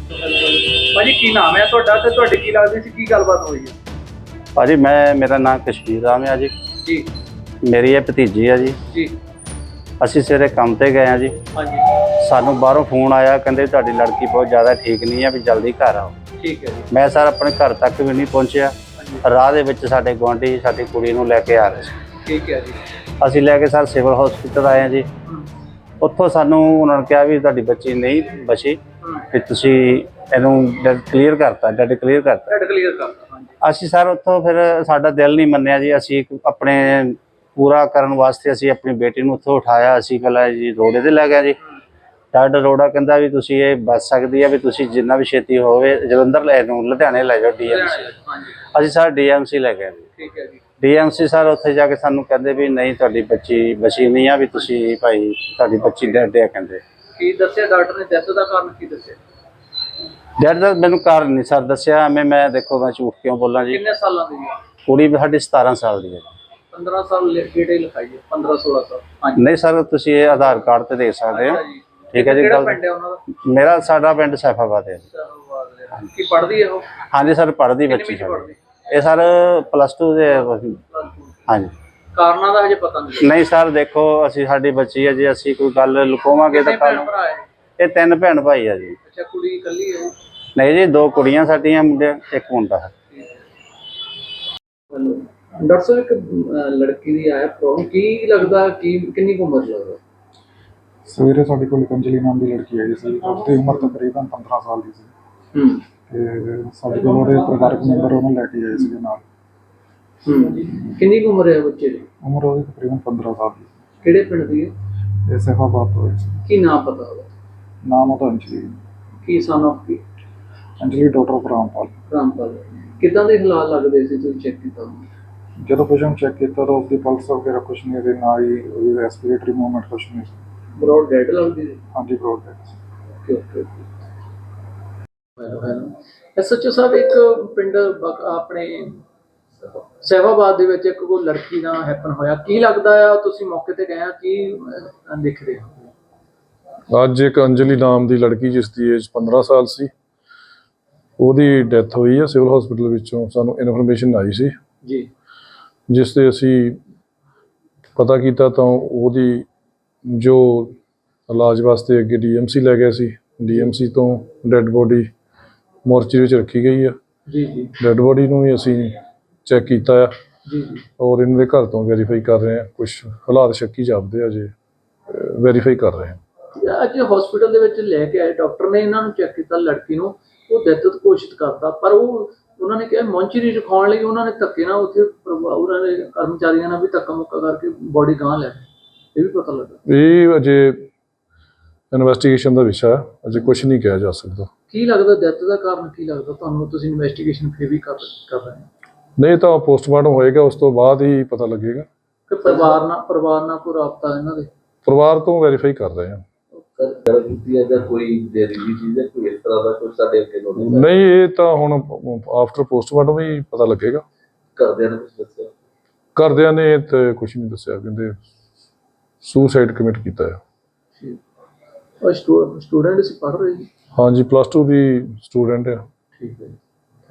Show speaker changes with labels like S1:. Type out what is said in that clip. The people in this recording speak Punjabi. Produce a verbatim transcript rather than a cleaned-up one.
S1: ਭਾਜੀ ਕੀ ਨਾਮ ਹੈ ਤੁਹਾਡਾ ਤੇ ਤੁਹਾਡੀ ਕੀ ਲੱਗਦੀ ਸੀ ਕੀ ਗੱਲਬਾਤ ਹੋਈ ਹੈ?
S2: ਭਾਜੀ मैं मेरा नाम कश्मीर राम है जी।
S1: जी
S2: मेरी ये भतीजी है जी।
S1: जी
S2: ਅਸੀਂ ਸਵੇਰੇ ਕੰਮ ਤੇ ਗਏ ਆ ਜੀ।
S1: ਹਾਂਜੀ
S2: ਸਾਨੂੰ ਬਾਹਰੋਂ ਫੋਨ ਆਇਆ, ਕਹਿੰਦੇ ਤੁਹਾਡੀ ਲੜਕੀ ਬਹੁਤ ਜ਼ਿਆਦਾ ਠੀਕ ਨਹੀਂ ਹੈ, ਵੀ ਜਲਦੀ ਘਰ ਆਓ।
S1: ਠੀਕ ਹੈ ਜੀ।
S2: ਮੈਂ ਸਰ ਆਪਣੇ ਘਰ ਤੱਕ ਵੀ ਨਹੀਂ ਪਹੁੰਚਿਆ। ਰਾਹ ਦੇ ਵਿੱਚ ਸਾਡੇ ਗੁਆਂਢੀ ਸਾਡੀ ਕੁੜੀ ਨੂੰ ਲੈ ਕੇ ਆ ਰਹੇ ਸੀ।
S1: ਠੀਕ ਹੈ ਜੀ।
S2: ਅਸੀਂ ਲੈ ਕੇ ਸਰ ਸਿਵਲ ਹਸਪੀਟਲ ਆਏ ਆ ਜੀ। ਉੱਥੋਂ ਸਾਨੂੰ ਉਹਨਾਂ ਨੇ ਕਿਹਾ ਵੀ ਤੁਹਾਡੀ ਬੱਚੀ ਨਹੀਂ ਬਚੀ, ਵੀ ਤੁਸੀਂ ਇਹਨੂੰ ਡੈਡ ਕਲੀਅਰ ਕਰਤਾ, ਡੈਡ ਕਲੀਅਰ ਕਰਤਾ।
S1: ਡੈਡ ਕਲੀਅਰ ਕਰਤਾ।
S2: ਅਸੀਂ ਸਰ ਉੱਥੋਂ ਫਿਰ ਸਾਡਾ ਦਿਲ ਨਹੀਂ ਮੰਨਿਆ ਜੀ। ਅਸੀਂ ਆਪਣੇ ਪੂਰਾ ਕਰਨ ਵਾਸਤੇ ਅਸੀਂ ਆਪਣੀ ਬੇਟੀ ਨੂੰ ਉੱਥੋਂ ਉਠਾਇਆ। ਅਸੀਂ ਪਹਿਲਾਂ ਜੀ ਰੋੜੇ 'ਤੇ ਲੈ ਗਿਆ ਜੀ। ਡਾਕਟਰ ਰੋੜਾ ਕਹਿੰਦਾ ਵੀ ਤੁਸੀਂ ਇਹ ਬਚ ਸਕਦੀ ਹੈ, ਵੀ ਤੁਸੀਂ ਜਿੰਨਾ ਵੀ ਛੇਤੀ ਹੋਵੇ ਜਲੰਧਰ ਲੈ ਨੂੰ ਲੁਧਿਆਣੇ ਲੈ ਜਾਓ ਡੀ ਐਮ ਸੀ। ਅਸੀਂ ਸਰ ਡੀ ਐਮ ਸੀ ਲੈ ਗਏ ਜੀ।
S1: ਠੀਕ ਹੈ ਜੀ।
S2: ਡੀ ਐਮ ਸੀ ਸਰ ਉੱਥੇ ਜਾ ਕੇ ਸਾਨੂੰ ਕਹਿੰਦੇ ਵੀ ਨਹੀਂ ਤੁਹਾਡੀ ਬੱਚੀ ਬਚੀ ਨਹੀਂ ਆ, ਵੀ ਤੁਸੀਂ ਭਾਈ ਤੁਹਾਡੀ ਬੱਚੀ ਡੈਡ ਹੈ। ਕਹਿੰਦੇ
S1: ਕੀ ਦੱਸਿਆ ਡਾਕਟਰ ਨੇ ਡੈਥ ਦਾ ਕਾਰਨ ਕੀ ਦੱਸਿਆ?
S2: ਡੈਡ ਦਾ ਮੈਨੂੰ ਕਾਰਨ ਨਹੀਂ ਸਰ ਦੱਸਿਆ। ਐਵੇਂ ਮੈਂ ਦੇਖੋ ਮੈਂ ਝੂਠ ਕਿਉਂ ਬੋਲਾਂ ਜੀ।
S1: ਕਿੰਨੇ ਸਾਲਾਂ ਦੀ ਹੈ
S2: ਕੁੜੀ ਸਾਡੀ ਸਤਾਰਾਂ ਸਾਲ ਦੀ ਹੈ।
S1: ਪੰਦਰਾਂ ਸਾਲ ਡੇਟੇ ਲਿਖਾਈ ਹੈ, ਪੰਦਰਾਂ ਸੋਲਾਂ ਸਾਲ। ਹਾਂਜੀ
S2: ਨਹੀਂ ਸਰ ਤੁਸੀਂ ਇਹ ਆਧਾਰ ਕਾਰਡ ਤੇ ਦੇਖ ਸਕਦੇ ਹੋ। ਠੀਕ ਹੈ ਜੀ।
S1: ਕਿਹੜਾ ਪਿੰਡ ਹੈ ਉਹਨਾਂ ਦਾ?
S2: ਮੇਰਾ ਸਾਡਾ ਪਿੰਡ ਸੈਫਾਬਾਦ ਹੈ।
S1: ਕੀ ਪੜ੍ਹਦੀ ਹੈ ਉਹ?
S2: ਹਾਂਜੀ ਸਰ ਪੜ੍ਹਦੀ ਬੱਚੀ ਸਾਡੀ। ਇਹ ਸਰ ਪਲੱਸ ਟੂ ਦੇ। ਹਾਂਜੀ
S1: ਕਾਰਨਾਂ ਦਾ ਹਜੇ ਪਤਾ ਨਹੀਂ।
S2: ਨਹੀਂ ਸਰ ਦੇਖੋ ਅਸੀਂ ਸਾਡੀ ਬੱਚੀ ਹੈ ਜੀ, ਅਸੀਂ ਕੋਈ ਗੱਲ ਲੁਕਾਵਾਂਗੇ ਤਾਂ ਕੱਲ। ਇਹ ਤਿੰਨ ਭੈਣ ਭਾਈ ਆ ਜੀ।
S1: ਅੱਛਾ ਕੁੜੀ ਇਕੱਲੀ ਹੈ?
S2: ਨਹੀਂ ਜੀ ਦੋ ਕੁੜੀਆਂ ਸਾਡੀਆਂ, ਮੁੰਡੇ ਇੱਕ ਮੁੰਡਾ ਹੈ।
S1: ਡਾਕਟਰ ਸਾਹਿਬ ਇੱਕ ਲੜਕੀ ਦੀ ਆਇਆ ਪ੍ਰੋਬਲਮ, ਕੀ ਲੱਗਦਾ ਕੀ ਕਿੰਨੀ ਕੁ ਉਮਰ ਲੱਗਦਾ?
S3: ਸਵੇਰੇ ਸਾਡੇ ਕੋਲ ਅੰਜਲੀ ਨਾਮ ਦੀ ਲੜਕੀ ਆਈ ਸੀ। ਉਹਦੀ ਉਮਰ ਤਕਰੀਬਨ ਪੰਦਰਾਂ ਸਾਲ ਦੀ ਸੀ।
S1: ਹੂੰ
S3: ਤੇ ਸਾਡੇ ਕੋਲ ਉਹਦੇ ਪਰਿਵਾਰਕ ਮੈਂਬਰ ਉਹਨੂੰ ਲੈ ਕੇ ਆਏ ਸੀਗੇ ਨਾਲ।
S1: ਹੂੰ ਕਿੰਨੀ ਕੁ ਉਮਰ ਹੈ ਬੱਚੇ ਦੀ?
S3: ਉਮਰ ਉਹਦੀ ਤਕਰੀਬਨ ਪੰਦਰਾਂ ਸਾਲ ਦੀ।
S1: ਕਿਹੜੇ ਪਿੰਡ ਦੀ ਹੈ?
S3: ਇਹ ਸੈਫਾਬਾਦ ਤੋਂ ਹੋਈ ਸੀ।
S1: ਕੀ ਨਾਮ ਪਤਾ ਉਹਦਾ?
S3: ਨਾਮ ਉਹਦਾ ਅੰਜਲੀ।
S1: ਕੀ ਸਨ ਆਫ ਕੀ?
S3: Anjali daughter of Rampal.
S1: ਰਾਮਪਾਲ। ਕਿੱਦਾਂ ਦੇ ਹਾਲਾਤ ਲੱਗਦੇ ਸੀ ਤੁਸੀਂ ਚੈੱਕ ਕੀਤਾ?
S3: ਜਦੋਂ ਪੇਸ਼ੈਂਟ ਚੈੱਕ ਕੀਤਾ ਤਾਂ ਉਸਦੀ ਪਲਸ ਵਗੈਰਾ ਕੁਛ ਨਹੀਂ ਸੀ, ਨਾ ਹੀ ਉਹਦੀ ਰੈਸਪੀਰੇਟਰੀ ਮੂਵਮੈਂਟ ਕੁਛ ਨਹੀਂ ਸੀ।
S1: ਬਰੋਡ ਡੈਡ ਲੱਗਦੀ ਸੀ?
S3: ਹਾਂਜੀ ਬਰੋਡ ਡੈਡ ਸੀ।
S1: Okay okay. Hello hello S H O ਸਾਹਿਬ, ਇੱਕ ਪਿੰਡ ਆਪਣੇ ਸੈਫਾਬਾਦ ਦੇ ਵਿੱਚ ਇੱਕ ਕੋਈ ਲੜਕੀ ਦਾ ਹੈਪਨ ਹੋਇਆ, ਕੀ ਲੱਗਦਾ ਆ? ਤੁਸੀਂ ਮੌਕੇ ਤੇ ਗਏ ਆ, ਕੀ ਦੇਖਦੇ ਹੋ?
S4: ਅੱਜ ਇੱਕ ਅੰਜਲੀ ਨਾਮ ਦੀ ਲੜਕੀ ਜਿਸ ਦੀ ਏਜ ਪੰਦਰਾਂ ਸਾਲ ਸੀ, ਉਹਦੀ ਡੈਥ ਹੋਈ ਹੈ ਸਿਵਲ ਹਸਪੀਟਲ ਵਿੱਚੋਂ। ਸਾਨੂੰ ਇਨਫੋਰਮੇਸ਼ਨ ਆਈ ਸੀ
S1: ਜੀ,
S4: ਜਿਸ 'ਤੇ ਅਸੀਂ ਪਤਾ ਕੀਤਾ ਤਾਂ ਉਹਦੀ ਜੋ ਇਲਾਜ ਵਾਸਤੇ ਅੱਗੇ ਡੀ ਐਮ ਸੀ ਲੈ ਗਏ ਸੀ। ਡੀ ਐਮ ਸੀ ਤੋਂ ਡੈੱਡ ਬੋਡੀ ਮੋਰਚਰੀ ਵਿੱਚ ਰੱਖੀ ਗਈ ਆ।
S1: ਜੀ ਜੀ।
S4: ਡੈੱਡ ਬੋਡੀ ਨੂੰ ਵੀ ਅਸੀਂ ਚੈੱਕ ਕੀਤਾ ਆ
S1: ਜੀ ਜੀ।
S4: ਔਰ ਇਹਨਾਂ ਦੇ ਘਰ ਤੋਂ ਵੈਰੀਫਾਈ ਕਰ ਰਹੇ ਹਾਂ। ਕੁਛ ਹਾਲਾਤ ਸ਼ੱਕੀ ਜਾਪਦੇ ਆ, ਜੇ ਵੈਰੀਫਾਈ ਕਰ ਰਹੇ ਹਾਂ।
S1: ਅੱਜ ਹਸਪੀਟਲ ਦੇ ਵਿੱਚ ਲੈ ਕੇ ਆਏ ਡਾਕਟਰ ਨੇ, ਇਹਨਾਂ ਨੂੰ ਚੈੱਕ ਕੀਤਾ ਲੜਕੀ ਨੂੰ, ਉਹ ਡੈਥ ਘੋਸ਼ਿਤ ਕਰਤਾ, ਪਰ ਉਹ ਉਹਨਾਂ ਨੇ ਕਿਹਾ ਮੌਂਚਰੀ ਰਖਾਉਣ ਲਈ ਉਹਨਾਂ ਨੇ ਧੱਕੇ ਨਾਲ ਉੱਥੇ ਉਹਨਾਂ ਦੇ ਕਰਮਚਾਰੀਆਂ ਨਾਲ ਵੀ ਧੱਕਾ ਮੁੱਕਾ ਕਰਕੇ ਬੋਡੀ ਗਾਂਹ ਲੈ ਗਏ। ਇਹ ਵੀ ਪਤਾ ਲੱਗਾ? ਇਹ
S4: ਅਜੇ ਇਨਵੈਸਟੀਗੇਸ਼ਨ ਦਾ ਵਿਸ਼ਾ ਹੈ, ਅਜੇ ਕੁਛ ਨਹੀਂ ਕਿਹਾ ਜਾ ਸਕਦਾ।
S1: ਕੀ ਲੱਗਦਾ ਡੈਥ ਦਾ ਕਾਰਨ ਕੀ ਲੱਗਦਾ ਤੁਹਾਨੂੰ? ਤੁਸੀਂ ਇਨਵੈਸਟੀਗੇਸ਼ਨ ਫਿਰ ਵੀ ਕਰ ਕਰ ਰਹੇ ਹੋ?
S4: ਨਹੀਂ ਤਾਂ ਪੋਸਟਮਾਰਟਮ ਹੋਏਗਾ, ਉਸ ਤੋਂ ਬਾਅਦ ਹੀ ਪਤਾ ਲੱਗੇਗਾ।
S1: ਕਿ ਪਰਿਵਾਰ ਨਾਲ ਪਰਿਵਾਰ ਨਾਲ ਕੋਈ ਰਾਬਤਾ ਇਹਨਾਂ ਦੇ?
S4: ਪਰਿਵਾਰ ਤੋਂ ਵੈਰੀਫਾਈ ਕਰ ਰਹੇ ਹਾਂ। ਨਹੀਂ ਇਹ ਤਾਂ ਹੁਣ ਆਫਟਰ ਪੋਸਟਮਾਰਟਮ ਹੀ ਪਤਾ ਲੱਗੇਗਾ।
S1: ਘਰਦਿਆਂ ਨੇ ਕੁਝ ਦੱਸਿਆ?
S4: ਘਰਦਿਆਂ ਨੇ ਤੇ ਕੁਛ ਨਹੀਂ ਦੱਸਿਆ, ਕਹਿੰਦੇ ਸੁਸਾਈਡ ਕਮਿਟ ਕੀਤਾ ਹੈ।
S1: ਉਹ ਸਟੂਡੈਂਟ ਸੀ, ਪੜ੍ਹ ਰਹੇ ਜੀ?
S4: ਹਾਂਜੀ ਪਲੱਸ ਟੂ ਦੀ ਸਟੂਡੈਂਟ ਆ।
S1: ਠੀਕ ਹੈ।